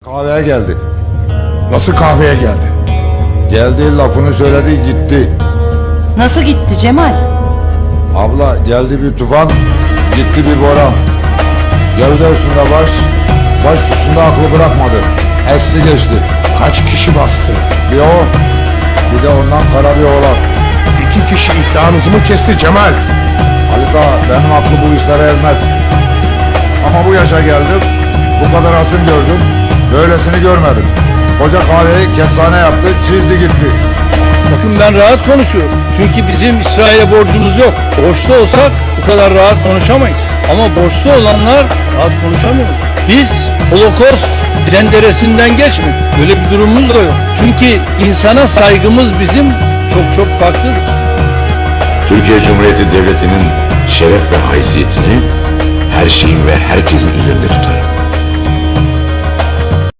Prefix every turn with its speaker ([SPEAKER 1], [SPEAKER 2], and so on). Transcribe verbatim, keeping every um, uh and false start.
[SPEAKER 1] Kahveye geldi.
[SPEAKER 2] Nasıl kahveye geldi?
[SPEAKER 1] Geldi, lafını söyledi, gitti.
[SPEAKER 3] Nasıl gitti Cemal?
[SPEAKER 1] Abla, geldi bir tufan, gitti bir boran. Gövde üstünde baş, baş üstünde aklı bırakmadı. Esti geçti.
[SPEAKER 2] Kaç kişi bastı?
[SPEAKER 1] Bir o, bir de ondan kara bir oğlan.
[SPEAKER 2] İki kişi iflahınızı mı kesti Cemal?
[SPEAKER 1] Halit ağa, benim aklı bu işlere ermez. Ama bu yaşa geldim, bu kadar asım gördüm, böylesini görmedim. Koca kahveyi kestane yaptı, çizdi gitti.
[SPEAKER 4] Bakın ben rahat konuşuyorum. Çünkü bizim İsrail'e borcumuz yok. Borçlu olsak bu kadar rahat konuşamayız. Ama borçlu olanlar rahat konuşamıyor. Biz Holocaust cenderesinden geçmedik. Böyle bir durumumuz da yok. Çünkü insana saygımız bizim çok çok farklıdır.
[SPEAKER 5] Türkiye Cumhuriyeti Devleti'nin şeref ve haysiyetini her şeyin ve herkesin üzerinde tutarım.